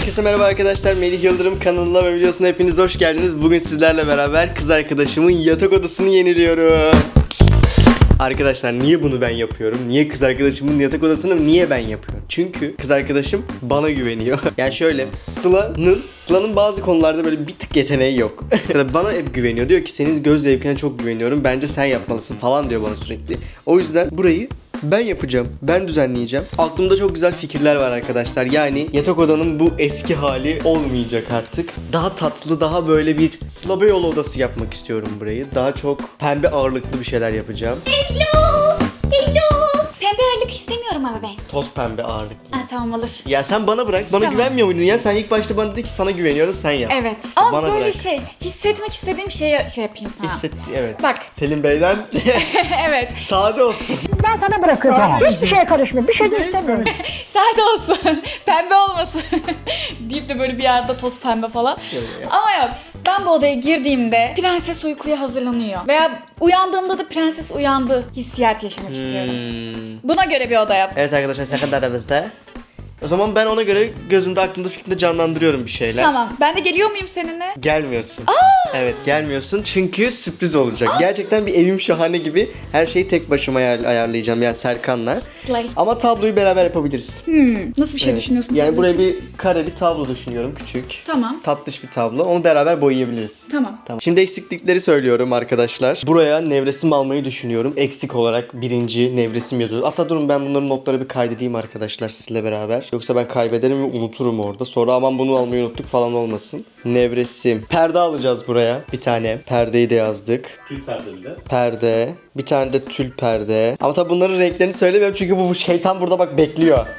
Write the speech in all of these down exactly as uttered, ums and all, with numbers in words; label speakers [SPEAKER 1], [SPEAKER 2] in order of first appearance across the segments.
[SPEAKER 1] Herkese merhaba arkadaşlar. Melih Yıldırım kanalına ve videosuna hepiniz hoş geldiniz. Bugün sizlerle beraber kız arkadaşımın yatak odasını yeniliyorum. Arkadaşlar niye bunu ben yapıyorum? Niye kız arkadaşımın yatak odasını niye ben yapıyorum? Çünkü kız arkadaşım bana güveniyor. Yani şöyle Sıla'nın Sıla'nın bazı konularda böyle bir tık yeteneği yok. Bana hep güveniyor. Diyor ki senin göz zevkine çok güveniyorum. Bence sen yapmalısın falan diyor bana sürekli. O yüzden burayı ben yapacağım. Ben düzenleyeceğim. Aklımda çok güzel fikirler var arkadaşlar. Yani yatak odanın bu eski hali olmayacak artık. Daha tatlı, daha böyle bir Sıla Beyoğlu odası yapmak istiyorum burayı. Daha çok pembe ağırlıklı bir şeyler yapacağım.
[SPEAKER 2] Hello! Hello! Pembe ağırlık istemiyorum ama ben.
[SPEAKER 1] Toz pembe ağırlıklı.
[SPEAKER 2] Ha, tamam olur.
[SPEAKER 1] Ya sen bana bırak. Bana
[SPEAKER 2] Tamam.
[SPEAKER 1] güvenmiyor muydun ya? Sen ilk başta bana dedin ki sana güveniyorum, sen yap.
[SPEAKER 2] Evet. Ama
[SPEAKER 1] bana
[SPEAKER 2] böyle
[SPEAKER 1] bırak.
[SPEAKER 2] şey, hissetmek istediğim şeyi şey yapayım sana.
[SPEAKER 1] Hissetti, evet.
[SPEAKER 2] Bak.
[SPEAKER 1] Selim Bey'den
[SPEAKER 2] Evet.
[SPEAKER 1] sade olsun.
[SPEAKER 3] Ben sana bırakacağım. Hiçbir şeye karışmıyorum. Bir şey de istemiyorum.
[SPEAKER 2] Sade olsun. Pembe olmasın. deyip de böyle bir yerde toz pembe falan. Ama yok. Ben bu odaya girdiğimde prenses uykuya hazırlanıyor. Veya uyandığımda da prenses uyandı hissiyat yaşamak istiyorum.
[SPEAKER 1] Hmm.
[SPEAKER 2] Buna göre bir oda yap.
[SPEAKER 1] Evet arkadaşlar, sakın aramızda. O zaman ben ona göre gözümde, aklımda, fikrimde canlandırıyorum bir şeyler.
[SPEAKER 2] Tamam. Ben de geliyor muyum seninle?
[SPEAKER 1] Gelmiyorsun. Evet, gelmiyorsun çünkü sürpriz olacak. Gerçekten bir evim şahane gibi her şeyi tek başıma ayar- ayarlayacağım yani Serkan'la.
[SPEAKER 2] Slay.
[SPEAKER 1] Ama tabloyu beraber yapabiliriz.
[SPEAKER 2] Hmm. Nasıl bir şey
[SPEAKER 1] Evet.
[SPEAKER 2] düşünüyorsun?
[SPEAKER 1] Yani
[SPEAKER 2] tabii
[SPEAKER 1] buraya
[SPEAKER 2] ki?
[SPEAKER 1] bir kare bir tablo düşünüyorum, küçük.
[SPEAKER 2] Tamam.
[SPEAKER 1] Tatlış bir tablo. Onu beraber boyayabiliriz.
[SPEAKER 2] Tamam.
[SPEAKER 1] Tamam. Şimdi eksiklikleri söylüyorum arkadaşlar. Buraya nevresim almayı düşünüyorum. Eksik olarak birinci nevresim yazıyoruz. Hatta durun ben bunların notları bir kaydedeyim arkadaşlar sizle beraber. Yoksa ben kaybederim ve unuturum orada. Sonra aman bunu almayı unuttuk falan olmasın. Nevresim. Perde alacağız buraya. Bir tane. Perdeyi de yazdık.
[SPEAKER 4] Tül perde bir de.
[SPEAKER 1] Perde. Bir tane de tül perde. Ama tabi bunların renklerini söylemiyorum çünkü bu, bu şeytan burada bak bekliyor.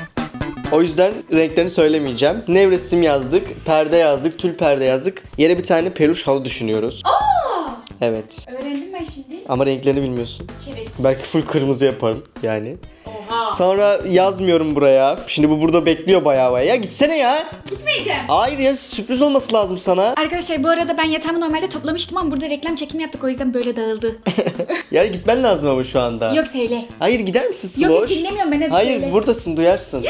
[SPEAKER 1] O yüzden renklerini söylemeyeceğim. Nevresim yazdık, perde yazdık, tül perde yazdık. Yere bir tane peluş halı düşünüyoruz.
[SPEAKER 2] Aa!
[SPEAKER 1] Evet.
[SPEAKER 2] Öğrendim ben şimdi.
[SPEAKER 1] Ama renklerini bilmiyorsun.
[SPEAKER 2] Şerefsiz.
[SPEAKER 1] Belki full kırmızı yaparım yani.
[SPEAKER 2] Oha.
[SPEAKER 1] Sonra yazmıyorum buraya. Şimdi bu burada bekliyor bayağı bayağı. Ya gitsene ya.
[SPEAKER 2] Gitmeyeceğim.
[SPEAKER 1] Hayır ya, sürpriz olması lazım sana.
[SPEAKER 2] Arkadaşlar bu arada ben yatağımı normalde toplamıştım ama burada reklam çekimi yaptık o yüzden böyle dağıldı.
[SPEAKER 1] Ya gitmen lazım ama şu anda.
[SPEAKER 2] Yok söyle.
[SPEAKER 1] Hayır, gider misin
[SPEAKER 2] Yok,
[SPEAKER 1] Sloş?
[SPEAKER 2] yok, dinlemiyorum ben, hadi
[SPEAKER 1] Hayır
[SPEAKER 2] söyle.
[SPEAKER 1] buradasın, duyarsın.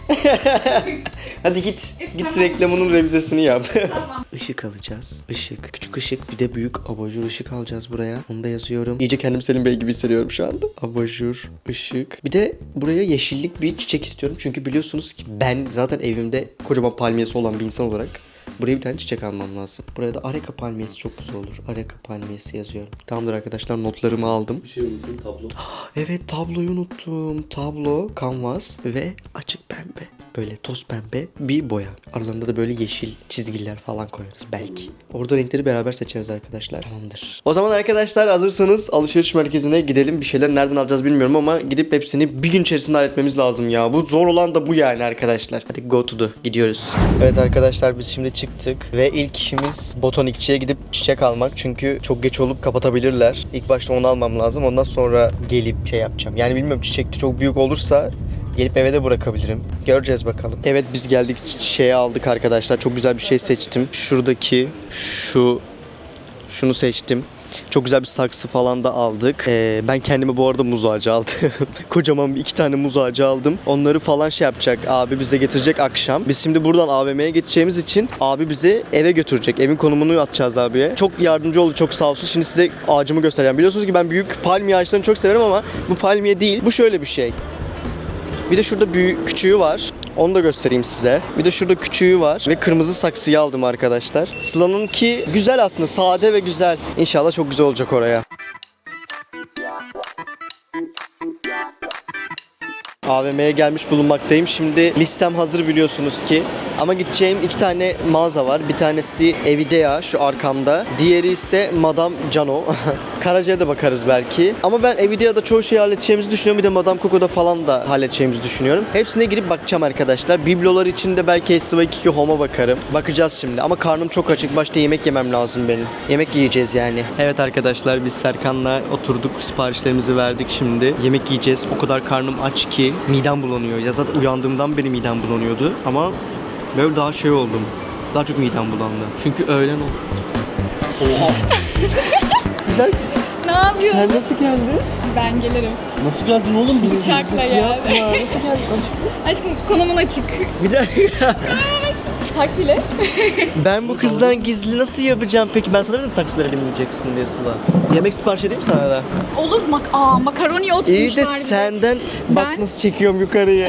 [SPEAKER 1] Hadi git. Git
[SPEAKER 2] Tamam.
[SPEAKER 1] reklamının revizesini yap.
[SPEAKER 2] Tamam.
[SPEAKER 1] Işık alacağız. Işık. Küçük ışık, bir de büyük abajur ışık alacağız buraya. Onu da yazıyorum. İyice kendimi Selim Bey gibi hissediyorum şu anda. Abajur ışık. Bir de buraya yeşillik bir çiçek istiyorum. Çünkü biliyorsunuz ki ben zaten evimde kocaman palmiyesi olan bir insan olarak buraya bir tane çiçek almam lazım. Buraya da areka palmiyesi çok güzel olur. Areka palmiyesi yazıyorum. Tamamdır arkadaşlar, notlarımı aldım.
[SPEAKER 4] Bir şey unuttum, tablo.
[SPEAKER 1] Evet, tabloyu unuttum. Tablo, kanvas ve açık pembe. Böyle toz pembe bir boya. Aralarında da böyle yeşil çizgiler falan koyarız belki. Orada renkleri beraber seçeriz arkadaşlar. Tamamdır. O zaman arkadaşlar hazırsanız alışveriş merkezine gidelim. Bir şeyler nereden alacağız bilmiyorum ama gidip hepsini bir gün içerisinde halletmemiz lazım ya. Bu zor olan da bu yani arkadaşlar. Hadi go to the. Gidiyoruz. Evet arkadaşlar, biz şimdi çıktık ve ilk işimiz botanikçiye gidip çiçek almak. Çünkü çok geç olup kapatabilirler. İlk başta onu almam lazım. Ondan sonra gelip şey yapacağım. Yani bilmiyorum, çiçek de çok büyük olursa gelip eve de bırakabilirim. Göreceğiz bakalım. Evet, biz geldik, çiçeği aldık arkadaşlar. Çok güzel bir şey seçtim. Şuradaki şu şunu seçtim. Çok güzel bir saksı falan da aldık. Ee, ben kendime bu arada muz ağacı aldım. Kocaman bir iki tane muz ağacı aldım. Onları falan şey yapacak. Abi bize getirecek akşam. Biz şimdi buradan A V M'ye geçeceğimiz için abi bizi eve götürecek. Evin konumunu atacağız abiye. Çok yardımcı oldu, çok sağ olsun. Şimdi size ağacımı göstereceğim. Biliyorsunuz ki ben büyük palmiye ağaçlarını çok severim ama bu palmiye değil. Bu şöyle bir şey. Bir de şurada büyük küçüğü var. Onu da göstereyim size. Bir de şurada küçüğü var. Ve kırmızı saksıyı aldım arkadaşlar. Sıla'nınki güzel aslında. Sade ve güzel. İnşallah çok güzel olacak oraya. A V M'ye gelmiş bulunmaktayım. Şimdi listem hazır biliyorsunuz ki. Ama gideceğim iki tane mağaza var. Bir tanesi Evidea şu arkamda. Diğeri ise Madame Cano. Karaca'ya da bakarız belki. Ama ben Evidea'da çoğu şeyi halledeceğimizi düşünüyorum. Bir de Madame Coco'da falan da halledeceğimizi düşünüyorum. Hepsine girip bakacağım arkadaşlar. Biblolar için de belki S Y iki Home'a bakarım. Bakacağız şimdi. Ama karnım çok açık. Başta yemek yemem lazım benim. Yemek yiyeceğiz yani. Evet arkadaşlar, biz Serkan'la oturduk. Siparişlerimizi verdik şimdi. Yemek yiyeceğiz. O kadar karnım aç ki midem bulanıyor. Ya zaten uyandığımdan beri midem bulanıyordu. Ama böyle daha şey oldum. Daha çok midem bulandı. Çünkü öğlen oldu. Oha. Bir dakika.
[SPEAKER 2] Ne yapıyorsun?
[SPEAKER 1] Sen nasıl geldin?
[SPEAKER 2] Ben gelirim.
[SPEAKER 4] Nasıl geldin oğlum? Biz
[SPEAKER 2] Uçakla geldim.
[SPEAKER 1] Yapma. Nasıl geldin?
[SPEAKER 2] Aşkım konumun açık.
[SPEAKER 1] Bir dakika.
[SPEAKER 2] taksiyle.
[SPEAKER 1] Ben bu kızdan gizli nasıl yapacağım peki? Ben sana dedim taksilere binmeyeceksin diye Sıla. Yemek sipariş edeyim sana da.
[SPEAKER 2] Olur mak Aa, makaroni oturmuşlar.
[SPEAKER 1] İyi de
[SPEAKER 2] bir
[SPEAKER 1] senden bak
[SPEAKER 2] Ben-
[SPEAKER 1] nasıl çekiyorum yukarıya.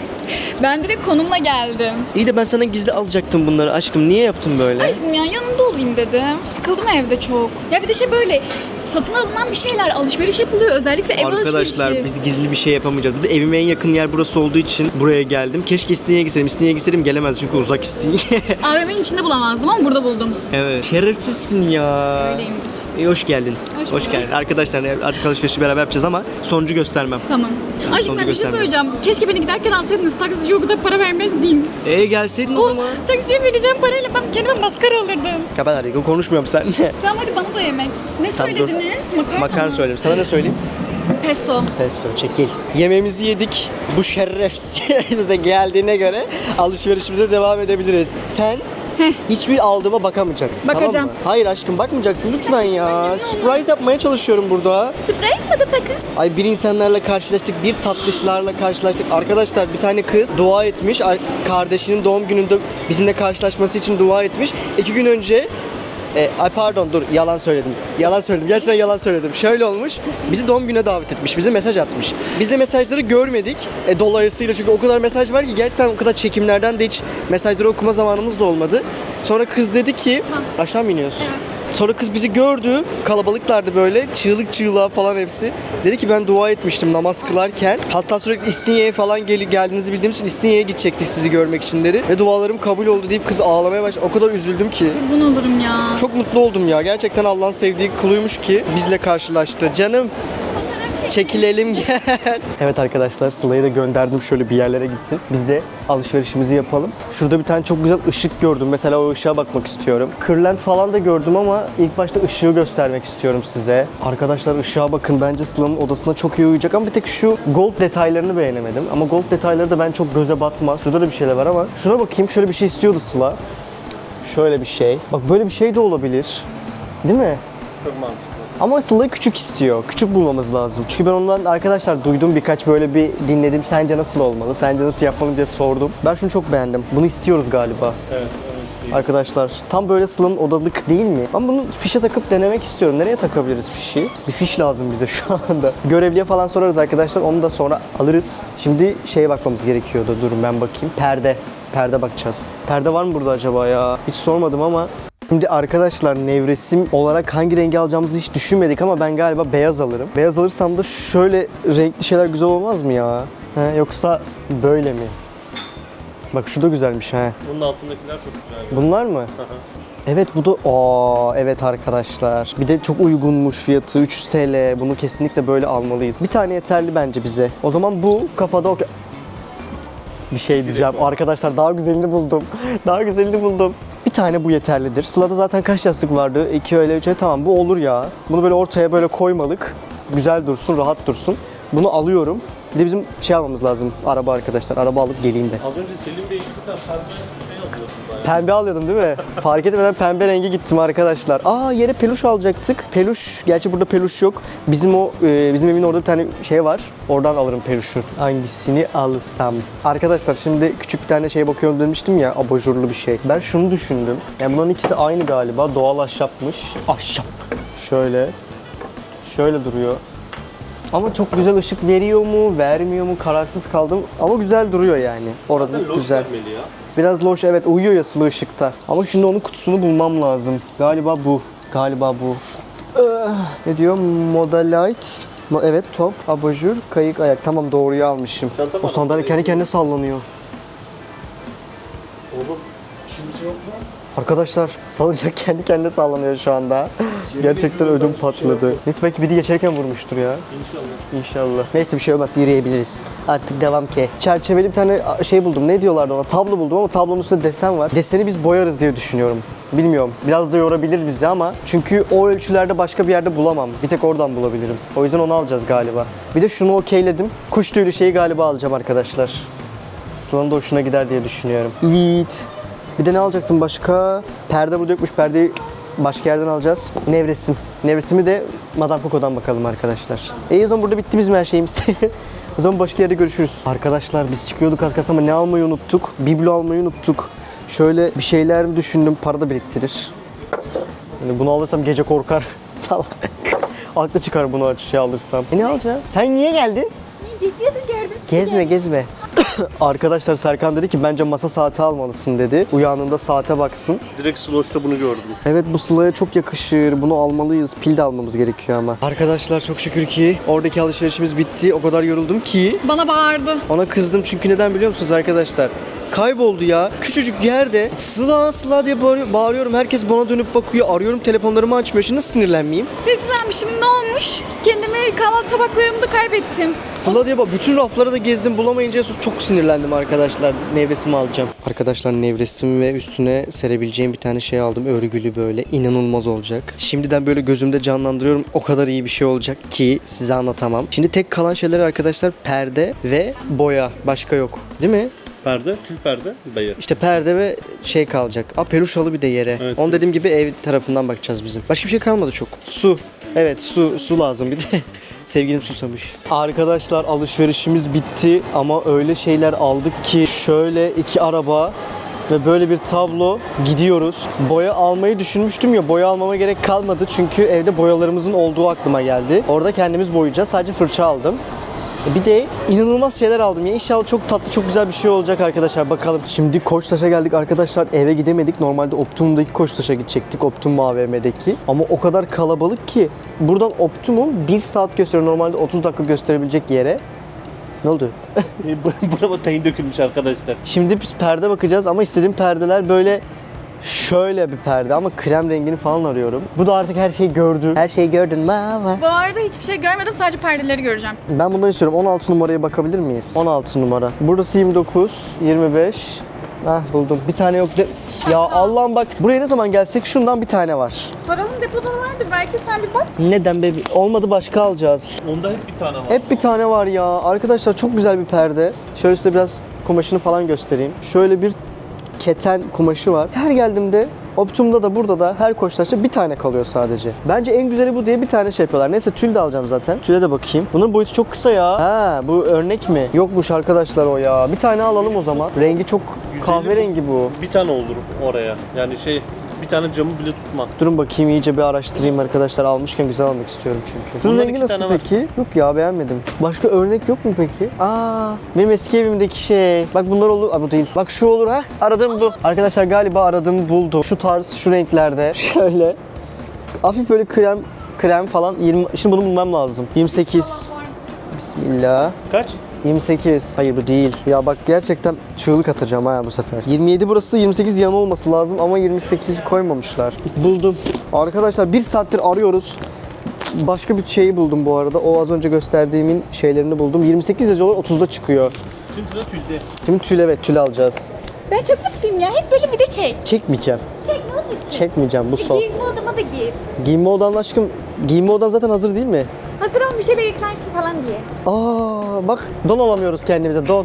[SPEAKER 2] Ben direkt konumla geldim.
[SPEAKER 1] İyi de ben sana gizli alacaktım bunları aşkım. Niye yaptın böyle?
[SPEAKER 2] Aşkım ya yanında olayım dedim. Sıkıldım evde çok. Ya bir de şey böyle satın alınan bir şeyler, alışveriş yapılıyor. Özellikle ev
[SPEAKER 1] Arkadaşlar
[SPEAKER 2] alışverişi.
[SPEAKER 1] biz gizli bir şey yapamayacağız. Bir de evime en yakın yer burası olduğu için buraya geldim. Keşke İstinye'ye gitseydim. İstinye'ye gitseydim gelemez çünkü uzak İstinye.
[SPEAKER 2] A V M'nin içinde bulamazdım ama burada buldum.
[SPEAKER 1] Evet. Şerefsizsin ya.
[SPEAKER 2] Öyleymiş.
[SPEAKER 1] İyi hoş geldin.
[SPEAKER 2] Hoş
[SPEAKER 1] Hoş,
[SPEAKER 2] bulduk.
[SPEAKER 1] geldin. Arkadaşlar artık alışverişi beraber yapacağız ama sonucu göstermem.
[SPEAKER 2] Tamam.
[SPEAKER 1] Yani
[SPEAKER 2] Aşkım
[SPEAKER 1] sonucu
[SPEAKER 2] ben bir şey
[SPEAKER 1] göstermem.
[SPEAKER 2] söyleyeceğim. Keşke beni giderken alsaydınız. Taksici o kadar para vermezdim.
[SPEAKER 1] Ee gelseydin o
[SPEAKER 2] O
[SPEAKER 1] zaman.
[SPEAKER 2] taksiciye vereceğim parayla ben kendime maskara alırdım.
[SPEAKER 1] Kapat hadi konuşmuyorum seninle.
[SPEAKER 2] Tamam hadi bana da yemek. Ne
[SPEAKER 1] Tamam, dur.
[SPEAKER 2] söylediniz? Makarna
[SPEAKER 1] Makarna
[SPEAKER 2] mı?
[SPEAKER 1] söyleyeyim. Sana ne söyleyeyim?
[SPEAKER 2] Pesto.
[SPEAKER 1] Pesto çekil. Yemeğimizi yedik. Bu şerefsiz de geldiğine göre alışverişimize devam edebiliriz. Sen hiçbir aldığıma bakamayacaksın.
[SPEAKER 2] Bakacağım.
[SPEAKER 1] Tamam mı? Hayır aşkım bakmayacaksın lütfen ya. Surprise yapmaya çalışıyorum burada.
[SPEAKER 2] Surprise motherfucker.
[SPEAKER 1] Ay bir insanlarla karşılaştık, bir tatlışlarla karşılaştık. Arkadaşlar bir tane kız dua etmiş. Ar- Kardeşinin doğum gününde bizimle karşılaşması için dua etmiş. İki gün önce E, ay pardon dur yalan söyledim. Yalan söyledim. Gerçekten yalan söyledim. Şöyle olmuş. Bizi doğum gününe davet etmiş. Bize mesaj atmış. Biz de mesajları görmedik. E, dolayısıyla çünkü o kadar mesaj var ki gerçekten o kadar çekimlerden de hiç mesajları okuma zamanımız da olmadı. Sonra kız dedi ki aşağı mı iniyoruz? Sonra kız bizi gördü. Kalabalıklardı böyle. Çığlık çığlığa falan hepsi. Dedi ki ben dua etmiştim namaz kılarken. Hatta sürekli İstinye'ye falan gel geldiğinizi bildiğim için İstinye'ye gidecektik sizi görmek için dedi. Ve dualarım kabul oldu deyip kız ağlamaya başladı. O kadar üzüldüm ki.
[SPEAKER 2] Kurban olurum ya.
[SPEAKER 1] Çok mutlu oldum ya. Gerçekten Allah'ın sevdiği kuluymuş ki bizle karşılaştı. Canım çekilelim gel. Evet arkadaşlar Sıla'yı da gönderdim şöyle bir yerlere gitsin. Biz de alışverişimizi yapalım. Şurada bir tane çok güzel ışık gördüm. Mesela o ışığa bakmak istiyorum. Kırlent falan da gördüm ama ilk başta ışığı göstermek istiyorum size. Arkadaşlar ışığa bakın. Bence Sıla'nın odasına çok iyi uyuyacak ama bir tek şu gold detaylarını beğenemedim. Ama gold detayları da ben çok göze batmaz. Şurada da bir şeyler var ama şuna bakayım. Şöyle bir şey istiyordu Sıla. Şöyle bir şey. Bak böyle bir şey de olabilir. Değil mi?
[SPEAKER 4] Çok mantıklı.
[SPEAKER 1] Ama Sıla'yı küçük istiyor. Küçük bulmamız lazım. Çünkü ben ondan arkadaşlar duydum birkaç böyle bir dinledim. Sence nasıl olmalı? Sence nasıl yapmalı diye sordum. Ben şunu çok beğendim. Bunu istiyoruz galiba.
[SPEAKER 4] Evet, onu isteyeyim.
[SPEAKER 1] Arkadaşlar tam böyle Sıla'nın odalık değil mi? Ben bunu fişe takıp denemek istiyorum. Nereye takabiliriz fişi? Bir fiş lazım bize şu anda. Görevliye falan sorarız arkadaşlar. Onu da sonra alırız. Şimdi şeye bakmamız gerekiyordu. Durun ben bakayım. Perde. Perde bakacağız. Perde var mı burada acaba ya? Hiç sormadım ama. Şimdi arkadaşlar nevresim olarak hangi rengi alacağımızı hiç düşünmedik ama ben galiba beyaz alırım. Beyaz alırsam da şöyle renkli şeyler güzel olmaz mı ya? He, yoksa böyle mi? Bak şu da güzelmiş ha.
[SPEAKER 4] Bunun altındakiler çok güzel.
[SPEAKER 1] Bunlar mı? Evet bu da aa evet arkadaşlar. Bir de çok uygunmuş fiyatı üç yüz TL. Bunu kesinlikle böyle almalıyız. Bir tane yeterli bence bize. O zaman bu kafada okey. Bir şey diyeceğim. Arkadaşlar daha güzelini buldum. Daha güzelini buldum. Bir tane bu yeterlidir. Sıla'da zaten kaç yastık vardı? iki öyle üç öyle tamam bu olur ya. Bunu böyle ortaya böyle koymalık. Güzel dursun, rahat dursun. Bunu alıyorum. Bir de bizim şey almamız lazım. Araba arkadaşlar. Araba alıp geleyim de.
[SPEAKER 4] Az önce Selim değişti sen pembe bir şey alıyordun bayağı.
[SPEAKER 1] Pembe alıyordum değil mi? Fark etmeden pembe rengi gittim arkadaşlar. Aa yere peluş alacaktık. Peluş, gerçi burada peluş yok. Bizim o e, bizim evin orada bir tane şey var. Oradan alırım peluşu. Hangisini alsam? Arkadaşlar şimdi küçük bir tane şey bakıyorum demiştim ya, abajurlu bir şey. Ben şunu düşündüm. Yani bunların ikisi aynı galiba. Doğal ahşapmış. Ahşap. Şöyle. Şöyle duruyor. Ama çok güzel ışık veriyor mu, vermiyor mu kararsız kaldım. Ama güzel duruyor yani. Orada
[SPEAKER 4] Zaten loş
[SPEAKER 1] güzel.
[SPEAKER 4] vermeli ya.
[SPEAKER 1] Biraz loş evet uyuyor ya sılı ışıkta. Ama şimdi onun kutusunu bulmam lazım. Galiba bu. Galiba bu. Ah, ne diyor? Modalite. Mo- Evet top, abajur, kayık, ayak. Tamam doğruyu almışım.
[SPEAKER 4] Çanta
[SPEAKER 1] O
[SPEAKER 4] var.
[SPEAKER 1] sandalye kendi kendine sallanıyor.
[SPEAKER 4] Oğlum işimiz yok mu?
[SPEAKER 1] Arkadaşlar salıncak kendi kendine sallanıyor şu anda. Gerçekten ödüm patladı. Neyse belki biri geçerken vurmuştur ya.
[SPEAKER 4] İnşallah.
[SPEAKER 1] İnşallah. Neyse bir şey olmaz yürüyebiliriz. Artık devam ki. Çerçeveli bir tane şey buldum. Ne diyorlardı ona? Tablo buldum ama tablonun üstünde desen var. Deseni biz boyarız diye düşünüyorum. Bilmiyorum. Biraz da yorabilir bizi ama çünkü o ölçülerde başka bir yerde bulamam. Bir tek oradan bulabilirim. O yüzden onu alacağız galiba. Bir de şunu okeyledim. Kuş tüylü şeyi galiba alacağım arkadaşlar. Sıla'nın da hoşuna gider diye düşünüyorum. Evet. Bir de ne alacaktım başka? Perde burada yokmuş. Perdeyi başka yerden alacağız. Nevresim. Nevresimi de Madame Coco'dan bakalım arkadaşlar. E o zaman burada bitti bizim her şeyimiz. O zaman başka yerde görüşürüz. Arkadaşlar biz çıkıyorduk arkadaşlar ama ne almayı unuttuk? Biblo almayı unuttuk. Şöyle bir şeyler mi düşündüm, para da biriktirir. Yani bunu alırsam gece korkar. Salak. Aklı çıkar bunu şey alırsam. E ne alacaksın? Sen niye geldin?
[SPEAKER 2] Geziyordum gördüm sizi.
[SPEAKER 1] Gezme gezme. Arkadaşlar Serkan dedi ki bence masa saati almalısın dedi. Uyandığında saate baksın.
[SPEAKER 4] Direkt Slosh'ta bunu gördüm.
[SPEAKER 1] Evet bu Sıla'ya çok yakışır. Bunu almalıyız. Pil de almamız gerekiyor ama. Arkadaşlar çok şükür ki oradaki alışverişimiz bitti. O kadar yoruldum ki.
[SPEAKER 2] Bana bağırdı.
[SPEAKER 1] Ona kızdım çünkü neden biliyor musunuz arkadaşlar? Kayboldu ya. Küçücük yerde Sıla Sıla diye bağırıyor- bağırıyorum. Herkes bana dönüp bakıyor. Arıyorum telefonlarımı açmıyor. Şimdi nasıl sinirlenmeyeyim?
[SPEAKER 2] Sessizlenmişim, ne olmuş? Kendimi kahvaltı tabaklarımda kaybettim.
[SPEAKER 1] Sıla diye bak bütün rafları da gezdim bulamayınca çok sinirlendim arkadaşlar. Nevresimi alacağım. Arkadaşlar nevresim ve üstüne serebileceğim bir tane şey aldım. Örgülü böyle inanılmaz olacak. Şimdiden böyle gözümde canlandırıyorum. O kadar iyi bir şey olacak ki size anlatamam. Şimdi tek kalan şeyler arkadaşlar perde ve boya. Başka yok. Değil mi?
[SPEAKER 4] Perde, tül perde, bayır.
[SPEAKER 1] İşte perde ve şey kalacak. Aa peluş halı bir de yere.
[SPEAKER 4] Evet,
[SPEAKER 1] Onu
[SPEAKER 4] evet.
[SPEAKER 1] dediğim gibi ev tarafından bakacağız bizim. Başka bir şey kalmadı çok. Su. Evet su su lazım bir de. Sevgilim susamış. Arkadaşlar alışverişimiz bitti ama öyle şeyler aldık ki şöyle iki araba ve böyle bir tablo gidiyoruz. Boya almayı düşünmüştüm ya boya almama gerek kalmadı çünkü evde boyalarımızın olduğu aklıma geldi. Orada kendimiz boyayacağız. Sadece fırça aldım. Bir de inanılmaz şeyler aldım ya. İnşallah çok tatlı, çok güzel bir şey olacak arkadaşlar. Bakalım. Şimdi Koçtaş'a geldik arkadaşlar. Eve gidemedik. Normalde Optimum'daki Koçtaş'a gidecektik. Optimum A V M'deki. Ama o kadar kalabalık ki. Buradan Optimum bir saat gösteriyor. Normalde otuz dakika gösterebilecek yere. Ne oldu?
[SPEAKER 4] Burama tayin dökülmüş arkadaşlar.
[SPEAKER 1] Şimdi biz perde bakacağız ama istediğim perdeler böyle şöyle bir perde ama krem rengini falan arıyorum. Bu da artık her şeyi gördü. Her şeyi gördün mama.
[SPEAKER 2] Bu arada hiçbir şey görmedim, sadece perdeleri göreceğim.
[SPEAKER 1] Ben bundan istiyorum. on altı numaraya bakabilir miyiz? on altı numara. Burası yirmi dokuz, yirmi beş. Hah buldum. Bir tane yok. De- ya Allah'ım bak. Buraya ne zaman gelsek şundan bir tane var.
[SPEAKER 2] Soralım, depoda vardır, belki sen bir bak.
[SPEAKER 1] Neden be? Olmadı başka alacağız.
[SPEAKER 4] Onda hep bir tane var.
[SPEAKER 1] Hep bir tane var ya. Arkadaşlar çok güzel bir perde. Şöyle size biraz kumaşını falan göstereyim. Şöyle bir keten kumaşı var. Her geldiğimde Optimum'da da burada da her Koçtaş'ta bir tane kalıyor sadece. Bence en güzeli bu diye bir tane şey yapıyorlar. Neyse tül de alacağım zaten. Tüle de bakayım. Bunun boyutu çok kısa ya. Ha bu örnek mi? Yokmuş arkadaşlar o ya. Bir tane alalım o zaman. Rengi çok
[SPEAKER 4] yüz elli
[SPEAKER 1] kahverengi bu.
[SPEAKER 4] Bir tane olur oraya. Yani şey, bir tane camı bile tutmaz.
[SPEAKER 1] Durun bakayım iyice bir araştırayım arkadaşlar. Almışken güzel almak istiyorum çünkü. Bunun
[SPEAKER 4] Bundan
[SPEAKER 1] rengi
[SPEAKER 4] iki
[SPEAKER 1] nasıl
[SPEAKER 4] tane var.
[SPEAKER 1] peki? Yok ya beğenmedim. Başka örnek yok mu peki? Aa, benim eski evimdeki şey. Bak bunlar olur. Aa, bu değil. Bak şu olur ha. Aradığım bu. Arkadaşlar galiba aradığımı buldum. Şu tarz, şu renklerde. Şöyle. Hafif böyle krem krem falan. yirmi Şimdi bunu bulmam lazım. yirmi sekiz. Bismillah.
[SPEAKER 4] Kaç?
[SPEAKER 1] yirmi sekiz. Hayır bu değil. Ya bak gerçekten çığlık atacağım ha bu sefer. yirmi yedi burası, yirmi sekiz yan olması lazım ama yirmi sekiz koymamışlar. Buldum. Arkadaşlar bir saattir arıyoruz. Başka bir şeyi buldum bu arada. O az önce gösterdiğimin şeylerini buldum. yirmi sekiz yazıyorlar, otuzda çıkıyor.
[SPEAKER 4] Şimdi sıra tülde.
[SPEAKER 1] Şimdi tül evet tül alacağız.
[SPEAKER 2] Ben çok mutluyum ya, hep böyle video çek.
[SPEAKER 1] Çekmeyeceğim.
[SPEAKER 2] Çek, ne olur çek.
[SPEAKER 1] Çekmeyeceğim bu son.
[SPEAKER 2] Giyinme odama da gir.
[SPEAKER 1] Giyinme odan aşkım. Giyinme odan zaten hazır değil mi?
[SPEAKER 2] Hazır ol, bir şeyle yıkarsın falan diye.
[SPEAKER 1] Aa bak don alamıyoruz kendimize don.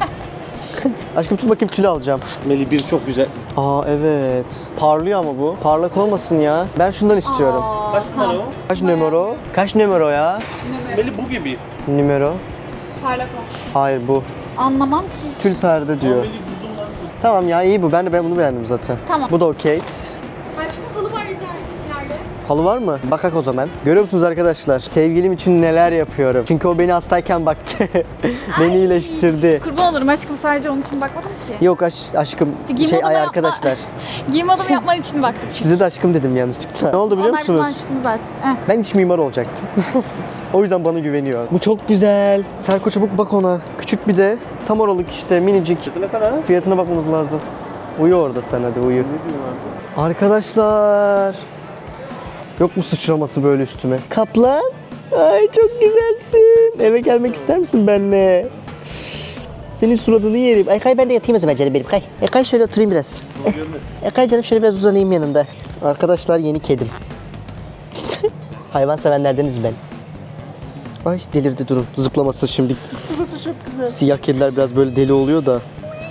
[SPEAKER 1] Aşkım tut bakayım tülü alacağım.
[SPEAKER 4] Meli bir çok güzel.
[SPEAKER 1] Aa evet. Parlıyor ama bu. Parlak olmasın ya. Ben şundan istiyorum.
[SPEAKER 2] Aa,
[SPEAKER 4] Kaç numara o?
[SPEAKER 1] Kaç numara? Kaç numara ya?
[SPEAKER 4] Meli bu gibi.
[SPEAKER 1] Numara?
[SPEAKER 2] parlak ol.
[SPEAKER 1] Hayır bu.
[SPEAKER 2] Anlamam ki.
[SPEAKER 1] Tül perde diyor.
[SPEAKER 4] Meli buldum lan.
[SPEAKER 1] Tamam ya iyi bu. Ben de ben bunu beğendim zaten.
[SPEAKER 2] Tamam.
[SPEAKER 1] Bu da okey.
[SPEAKER 2] Başka halı var ileride.
[SPEAKER 1] Halı var mı? Bakak o zaman. Görüyor musunuz arkadaşlar? Sevgilim için neler yapıyorum. Çünkü o beni hastayken baktı. Beni
[SPEAKER 2] Ay.
[SPEAKER 1] iyileştirdi.
[SPEAKER 2] Kurban olurum aşkım, sadece onun için bakmadım ki.
[SPEAKER 1] Yok aş aşkım.
[SPEAKER 2] Giyim
[SPEAKER 1] Şey
[SPEAKER 2] odama
[SPEAKER 1] ay
[SPEAKER 2] yapma.
[SPEAKER 1] arkadaşlar.
[SPEAKER 2] Giyim odamı yapman için baktım.
[SPEAKER 1] Size de aşkım dedim yanlışlıkla. Ne oldu biliyor
[SPEAKER 2] Onlar bizim
[SPEAKER 1] musunuz?
[SPEAKER 2] aşkımız artık. Eh.
[SPEAKER 1] Ben iç mimar olacaktım. O yüzden bana güveniyor. Bu çok güzel. Serko çabuk bak ona. Küçük bir de tam oralık işte minicik.
[SPEAKER 4] Fiyatı ne kadar?
[SPEAKER 1] Fiyatına bakmamız lazım. Uyu orada sen hadi uyu.
[SPEAKER 4] Ne diyorsun abi?
[SPEAKER 1] Arkadaşlar. Yok mu sıçraması böyle üstüme? Kaplan. Ay çok güzelsin. Eve gelmek ister misin benimle? Senin suratını yerim. Ay kay ben de yatayım o zaman canım benim kay. E kay şöyle oturayım biraz. Eh, e kay canım şöyle biraz uzanayım yanında. Arkadaşlar yeni kedim. Hayvan sevenlerdeniz ben. Ay delirdi durun. Zıplaması şimdi.
[SPEAKER 4] Suratı çok güzel.
[SPEAKER 1] Siyah kediler biraz böyle deli oluyor da.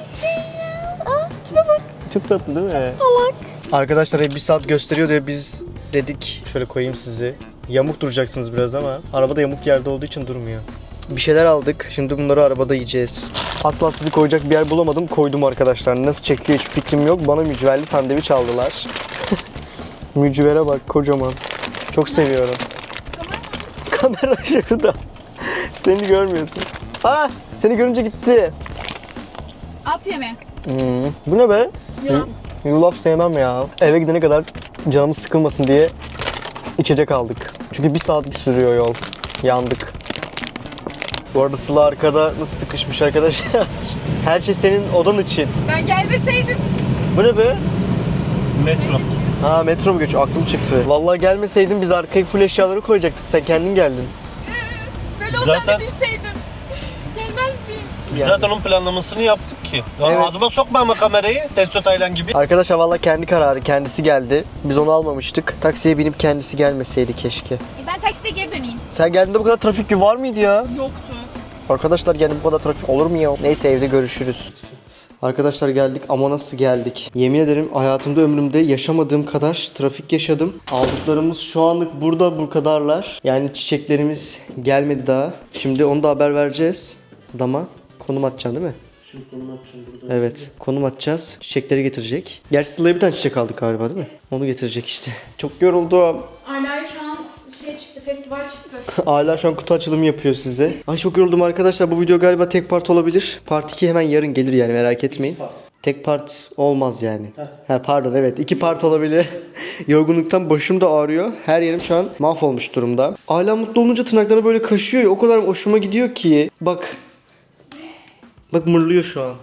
[SPEAKER 1] Çok tatlı değil mi? Çok salak. Arkadaşlar bir saat gösteriyor diye biz dedik şöyle koyayım sizi. Yamuk duracaksınız biraz ama arabada yamuk yerde olduğu için durmuyor. Bir şeyler aldık. Şimdi bunları arabada yiyeceğiz. Asla sizi koyacak bir yer bulamadım. Koydum arkadaşlar. Nasıl çekiyor hiç fikrim yok. Bana mücverli sandviç aldılar. Mücvere bak kocaman. Çok seviyorum. Kamera şurada. Seni görmüyorsun. Aa, seni görünce gitti.
[SPEAKER 2] At yeme.
[SPEAKER 1] Hmm. Bu ne be?
[SPEAKER 2] Yulaf.
[SPEAKER 1] Yulaf sevmem ya. Eve gidene kadar canımız sıkılmasın diye içecek aldık. Çünkü bir saatlik sürüyor yol. Yandık. Bu arada Sıla arkada nasıl sıkışmış arkadaşlar. Her şey senin odan için.
[SPEAKER 2] Ben gelmeseydim.
[SPEAKER 1] Bu ne be?
[SPEAKER 4] Metro.
[SPEAKER 1] Ha metro mu geçiyor? Aklım çıktı. Vallahi gelmeseydin biz arkaya full eşyaları koyacaktık. Sen kendin geldin.
[SPEAKER 2] Böyle
[SPEAKER 4] Zaten-
[SPEAKER 2] bilseydim. Gelmezdim.
[SPEAKER 4] Biz zaten onun planlamasını yaptık ki. Ya
[SPEAKER 1] Evet.
[SPEAKER 4] ağzıma sokma ama kamerayı. Testo Taylan gibi.
[SPEAKER 1] Arkadaşlar vallahi kendi kararı. Kendisi geldi. Biz onu almamıştık. Taksiye binip kendisi gelmeseydi keşke.
[SPEAKER 2] Ben takside geri döneyim.
[SPEAKER 1] Sen geldiğinde bu kadar trafik var mıydı ya?
[SPEAKER 2] Yoktu.
[SPEAKER 1] Arkadaşlar yani bu kadar trafik olur mu ya? Neyse evde görüşürüz. Arkadaşlar geldik ama nasıl geldik? Yemin ederim hayatımda ömrümde yaşamadığım kadar trafik yaşadım. Aldıklarımız şu anlık burada bu kadarlar. Yani çiçeklerimiz gelmedi daha. Şimdi onu da haber vereceğiz. Adama konum atacaksın değil mi?
[SPEAKER 4] Şimdi konum atacağım burada.
[SPEAKER 1] Evet konum atacağız. Çiçekleri getirecek. Gerçi Sıla'ya bir tane çiçek aldık galiba değil mi? Onu getirecek işte. Çok yoruldum.
[SPEAKER 2] Ala'ya şu an şey çıktı, festival çıktı.
[SPEAKER 1] Hala şu an kutu açılımı yapıyor size. Ay çok yoruldum arkadaşlar. Bu video galiba tek part olabilir. Part iki hemen yarın gelir yani merak etmeyin. Tek part olmaz yani. Ha pardon evet iki part olabilir. Yorgunluktan başım da ağrıyor. Her yerim şu an mahvolmuş durumda. Hala mutlu olunca tırnakları böyle kaşıyor ya. O kadar hoşuma gidiyor ki. Bak. Bak mırlıyor şu an.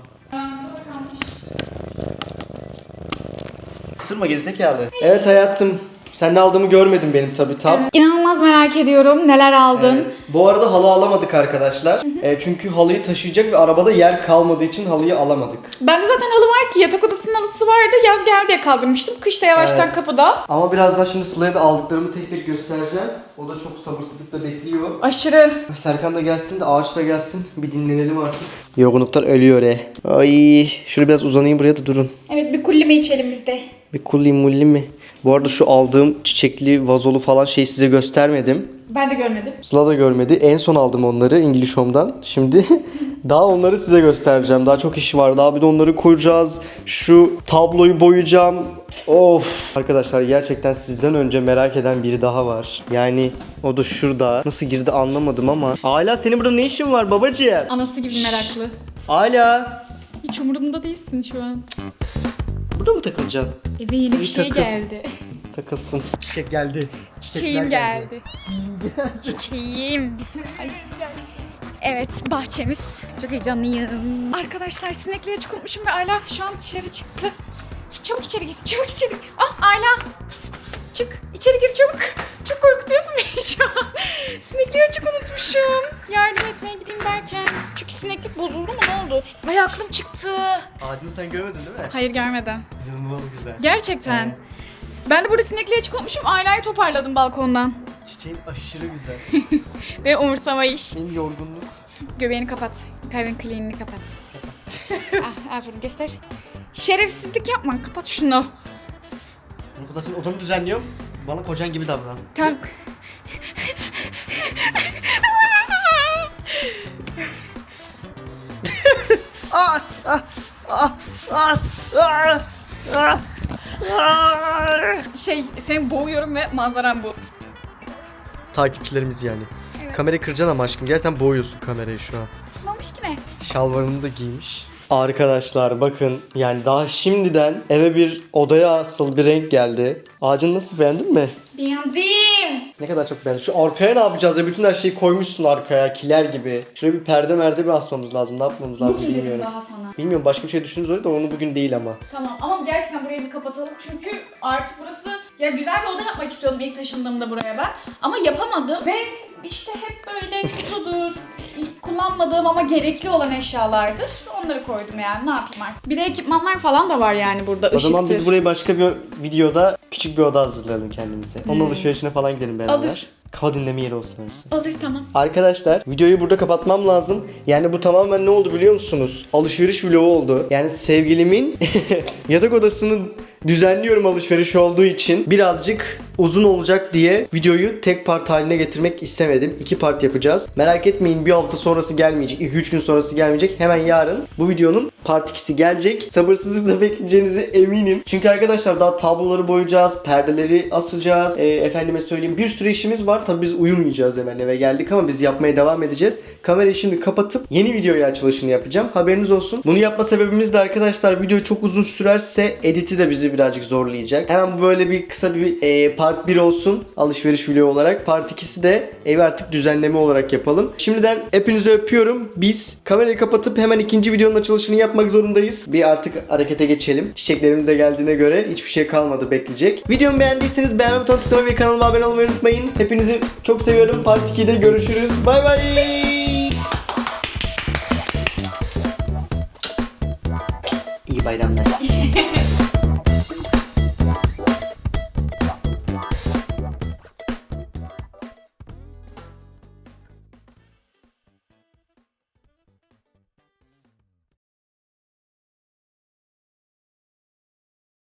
[SPEAKER 1] Isırma gerizekalı. Evet hayatım. Sen ne aldığımı görmedin benim tabii tam.
[SPEAKER 2] İnanılmaz merak ediyorum. Neler aldın?
[SPEAKER 1] Evet. Bu arada halı alamadık arkadaşlar. E, çünkü halıyı taşıyacak ve arabada yer kalmadığı için halıyı alamadık.
[SPEAKER 2] Bende zaten halı var ki. Yatak odasının halısı vardı. Yaz geldi diye kaldırmıştım. Kışta yavaştan
[SPEAKER 1] Evet.
[SPEAKER 2] kapıda.
[SPEAKER 1] Ama birazdan şimdi Sıla'ya da aldıklarımı tek tek göstereceğim. O da çok sabırsızlıkla bekliyor.
[SPEAKER 2] Aşırı.
[SPEAKER 1] Serkan da gelsin de ağaç da gelsin. Bir dinlenelim artık. Yorgunluklar ölüyor e. Ay, şuraya biraz uzanayım buraya da durun.
[SPEAKER 2] Evet bir kullime içelim biz de.
[SPEAKER 1] Bir kulli mulli mi? Bu arada şu aldığım çiçekli vazolu falan şeyi size göstermedim.
[SPEAKER 2] Ben de görmedim.
[SPEAKER 1] Sıla da görmedi. En son aldım onları İngiliz Home'dan. Şimdi daha onları size göstereceğim. Daha çok iş var. Daha bir de onları koyacağız. Şu tabloyu boyayacağım. Of. Arkadaşlar gerçekten sizden önce merak eden biri daha var. Yani o da şurada. Nasıl girdi anlamadım ama. Hala senin burada ne işin var babacığım?
[SPEAKER 2] Anası gibi meraklı.
[SPEAKER 1] Hala.
[SPEAKER 2] Hiç umurumda değilsin şu an.
[SPEAKER 1] Burada mı takılacaksın?
[SPEAKER 2] Eve yeni bir
[SPEAKER 1] Bir
[SPEAKER 2] şey
[SPEAKER 1] takıl.
[SPEAKER 2] geldi.
[SPEAKER 1] Takılsın. Çiçek geldi.
[SPEAKER 2] Çiçeğim geldi. Çiçeğim. Ay. Evet bahçemiz. Çok heyecanlıyım. Arkadaşlar sinekliğe çıkılmışım ve Ayla şu an dışarı çıktı. Çabuk içeri gir. Çabuk içeri. Ah Ayla. Çık. İçeri gir çabuk. Çok korkutuyorsun beni şu an. Sinekliği açık unutmuşum. Yardım etmeye gideyim derken. Çünkü sineklik bozuldu mu ne oldu? Ay aklım çıktı.
[SPEAKER 1] Ağacını sen görmedin değil mi?
[SPEAKER 2] Hayır görmedim.
[SPEAKER 1] İnanılmaz güzel.
[SPEAKER 2] Gerçekten.
[SPEAKER 1] Evet.
[SPEAKER 2] Ben de burada sinekliğe açık unutmuşum. Aila'yı toparladım balkondan.
[SPEAKER 1] Çiçeğin aşırı güzel.
[SPEAKER 2] Ve umursamayış.
[SPEAKER 1] Benim yorgunluk.
[SPEAKER 2] Göbeğini kapat. Kalbin kliğini kapat. ah, aferin göster. Şerefsizlik yapma. Kapat şunu.
[SPEAKER 1] Bu kadar senin odanı düzenliyorum. Bana kocan gibi davran.
[SPEAKER 2] Tamam. şey seni boğuyorum ve manzaram bu.
[SPEAKER 1] Takipçilerimiz yani.
[SPEAKER 2] Evet.
[SPEAKER 1] Kamerayı kıracaksın ama aşkım. Gerçekten boğuyorsun kamerayı şu an.
[SPEAKER 2] Ne olmuş ki ne?
[SPEAKER 1] Şalvarını da giymiş. Arkadaşlar bakın yani daha şimdiden eve bir odaya asıl bir renk geldi. Ağacını nasıl beğendin mi?
[SPEAKER 2] Beğendim.
[SPEAKER 1] Ne kadar çok beğendim. Şu arkaya ne yapacağız ya? Bütün her şeyi koymuşsun arkaya kiler gibi. Şuraya bir perde merde mi asmamız lazım? Ne yapmamız lazım
[SPEAKER 2] Bugün
[SPEAKER 1] bilmiyorum.
[SPEAKER 2] daha sana.
[SPEAKER 1] Bilmiyorum başka bir şey düşünürüz öyle de onu bugün değil ama.
[SPEAKER 2] Tamam ama gerçekten burayı bir kapatalım çünkü artık burası ya güzel bir oda yapmak istiyordum ilk taşındığımda buraya ben ama yapamadım ve işte hep böyle kutudur, kullanmadığım ama gerekli olan eşyalardır. Onları koydum yani ne yapayım artık. Bir de ekipmanlar falan da var yani burada.
[SPEAKER 1] O zaman
[SPEAKER 2] ışıktır.
[SPEAKER 1] biz burayı başka bir videoda küçük bir oda hazırlayalım kendimize. Onun
[SPEAKER 2] Hmm.
[SPEAKER 1] alışverişine falan gidelim beraber.
[SPEAKER 2] Alır.
[SPEAKER 1] Kafa dinleme yeri olsun orası.
[SPEAKER 2] Alır tamam.
[SPEAKER 1] Arkadaşlar videoyu burada kapatmam lazım. Yani bu tamamen ne oldu biliyor musunuz? Alışveriş vlogu oldu. Yani sevgilimin yatak odasını düzenliyorum alışveriş olduğu için. Birazcık uzun olacak diye videoyu tek part haline getirmek istemedim. İki part yapacağız. Merak etmeyin, bir hafta sonrası gelmeyecek. iki üç gün sonrası gelmeyecek. Hemen yarın bu videonun part ikisi gelecek. Sabırsızlıkla bekleyeceğinize eminim. Çünkü arkadaşlar daha tabloları boyayacağız. Perdeleri asacağız. E, efendime söyleyeyim, bir sürü işimiz var. Tabii biz uyumayacağız, hemen eve geldik ama biz yapmaya devam edeceğiz. Kamerayı şimdi kapatıp yeni videoyu açılışını yapacağım. Haberiniz olsun. Bunu yapma sebebimiz de arkadaşlar, video çok uzun sürerse editi de bizi birazcık zorlayacak. Hemen böyle bir kısa bir e, part bir olsun. Alışveriş video olarak. Part ikisi de evi artık düzenleme olarak yapalım. Şimdiden hepinizi öpüyorum. Biz kamerayı kapatıp hemen ikinci videonun açılışını yapmak zorundayız. Bir artık harekete geçelim. Çiçeklerimiz de geldiğine göre hiçbir şey kalmadı bekleyecek. Videomu beğendiyseniz beğenme butonuna tıklamayı ve kanalıma abone olmayı unutmayın. Hepinizi çok seviyorum. Part ikide görüşürüz. Bay bay. İyi bayramlar.